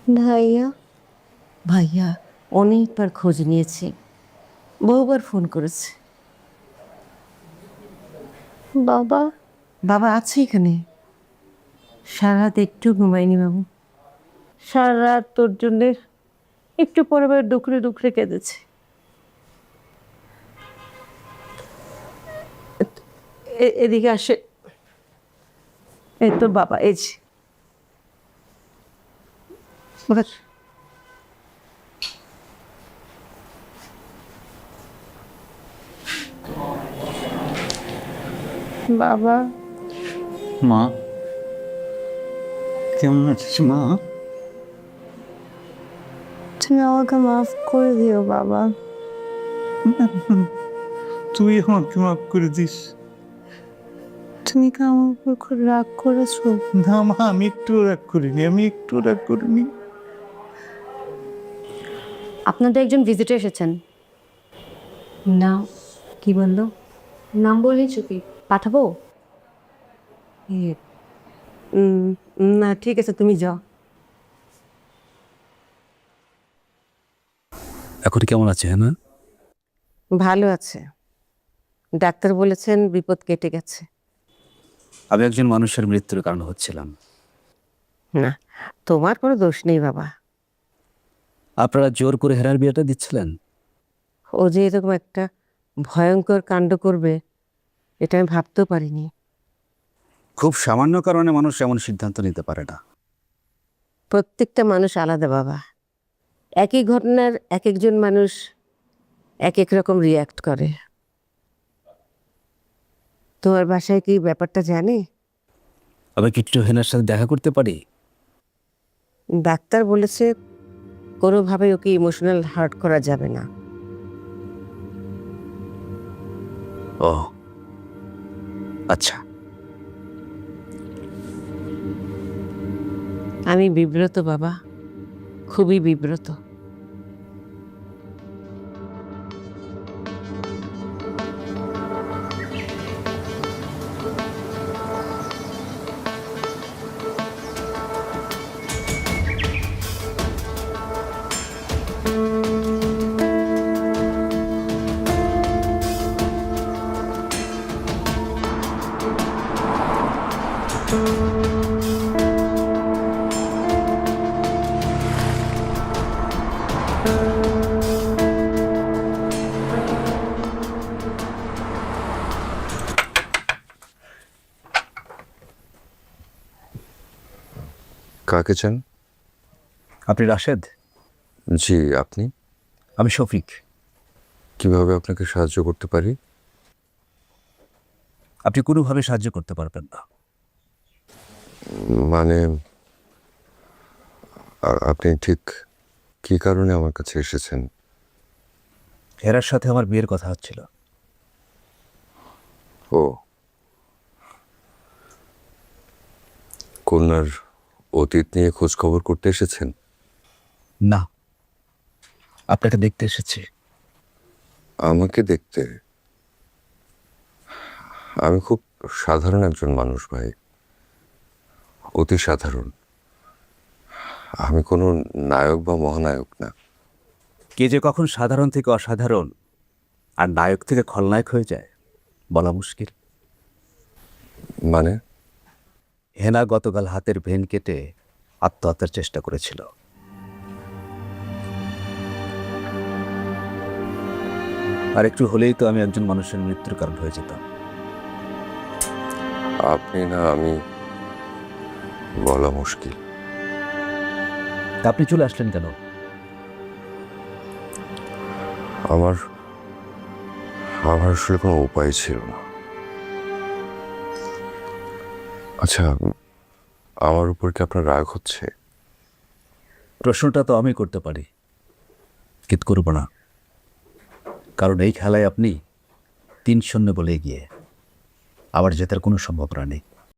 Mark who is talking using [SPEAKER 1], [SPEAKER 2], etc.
[SPEAKER 1] ভাইয়া
[SPEAKER 2] ভাইয়া অনেকবার খোঁজ নিয়েছি, বহুবার ফোন করেছে।
[SPEAKER 1] বাবা
[SPEAKER 2] বাবা আছে এখানে, সারা রাত একটু ঘুমায়নি বাবু। সারা রাত তোর জন্যে একটু পরে পরে দুখরে দুখরে কেঁদেছে। এদিকে আসে, এই তোর বাবা, এই যে বস।
[SPEAKER 1] বাবা
[SPEAKER 3] মা কেমন আছিস মা?
[SPEAKER 1] তুমি আমাকে মাফ করে দিও বাবা।
[SPEAKER 3] তুই আমাকে মাফ করে দিস।
[SPEAKER 1] তুমি কি আমার উপর খুব রাগ করেছো?
[SPEAKER 3] না মা, আমি একটু রাগ করিনি, আমি একটু রাগ করিনি।
[SPEAKER 4] আপনাদের একজন ভিজিটর এসেছেন।
[SPEAKER 2] না, কি বললো?
[SPEAKER 4] নাম বললেই চুপি পাঠাবো।
[SPEAKER 2] এ, না ঠিক আছে, তুমি যাও।
[SPEAKER 5] এখন কেমন আছে হ্যাঁ?
[SPEAKER 2] ভালো আছে, ডাক্তার বলেছেন বিপদ কেটে গেছে।
[SPEAKER 5] আমি একজন মানুষের মৃত্যুর কারণ হচ্ছিলাম।
[SPEAKER 2] না, তোমার কোনো দোষ নেই বাবা।
[SPEAKER 5] আপনারা জোর করে হেরার বিয়েটা দিচ্ছিলেন।
[SPEAKER 2] ও যে এরকম একটা ভয়ঙ্কর কাণ্ড করবে এটা আমি ভাবতেও পারিনি।
[SPEAKER 5] খুব সামান্য কারণে মানুষ এমন সিদ্ধান্ত নিতে পারে না।
[SPEAKER 2] প্রত্যেকটা মানুষ আলাদা বাবা, একই ঘটনার এক একজন মানুষ এক এক রকম রিয়্যাক্ট করে। তোমার বাসায় কি ব্যাপারটা জানে?
[SPEAKER 5] আমি কি একটু হেনার সাথে দেখা করতে পারি?
[SPEAKER 2] ডাক্তার বলেছে কোনোভাবে ওকে ইমোশনাল হার্ট করা যাবে না।
[SPEAKER 5] ও আচ্ছা।
[SPEAKER 2] আমি বিব্রত বাবা, খুবই বিব্রত।
[SPEAKER 6] কাকে চান?
[SPEAKER 5] আপনি রাশেদ?
[SPEAKER 6] জি, আপনি?
[SPEAKER 5] আমি শফিক।
[SPEAKER 6] কিভাবে আপনাকে সাহায্য করতে পারি?
[SPEAKER 5] আপনি কোনোভাবে সাহায্য করতে পারবেন না।
[SPEAKER 6] মানে আপনি ঠিক কি কারণে আমার কাছে এসেছেন?
[SPEAKER 5] হেরার সাথে আমার বিয়ের কথা হচ্ছিল।
[SPEAKER 6] ও, কন্যার অতীত নিয়ে খোঁজ খবর করতে এসেছেন?
[SPEAKER 5] না, আপনাকে দেখতে এসেছি।
[SPEAKER 6] আমাকে দেখতে? আমি খুব সাধারণ একজন মানুষ ভাই, অতি সাধারণ। আমি কোনো নায়ক বা মহানায়ক না।
[SPEAKER 5] কে যে কখন সাধারণ থেকে অসাধারণ আর নায়ক থেকে খলনায়ক হয়ে যায় বলা মুশকিল।
[SPEAKER 6] মানে?
[SPEAKER 5] হেনা গতকাল হাতের ভেন কেটে আত্মহত্যার চেষ্টা করেছিল। আর একটু হলেই তো আমি একজন মানুষের মৃত্যুর কারণ হয়ে যেতাম।
[SPEAKER 6] আপনি না আমি, বলা মুশকিল।
[SPEAKER 5] তা আপনি চলে আসলেন কেন?
[SPEAKER 6] আমার আমার আসলে কোনো উপায় ছিল না। আচ্ছা, আমার উপর কি আপনার রাগ হচ্ছে?
[SPEAKER 5] প্রশ্নটা তো আমি করতে পারি, কিন্তু করব না, কারণ এই খেলায় আপনি 3-0 বলে গিয়ে আবার জেতার কোনো সম্ভাবনা নেই।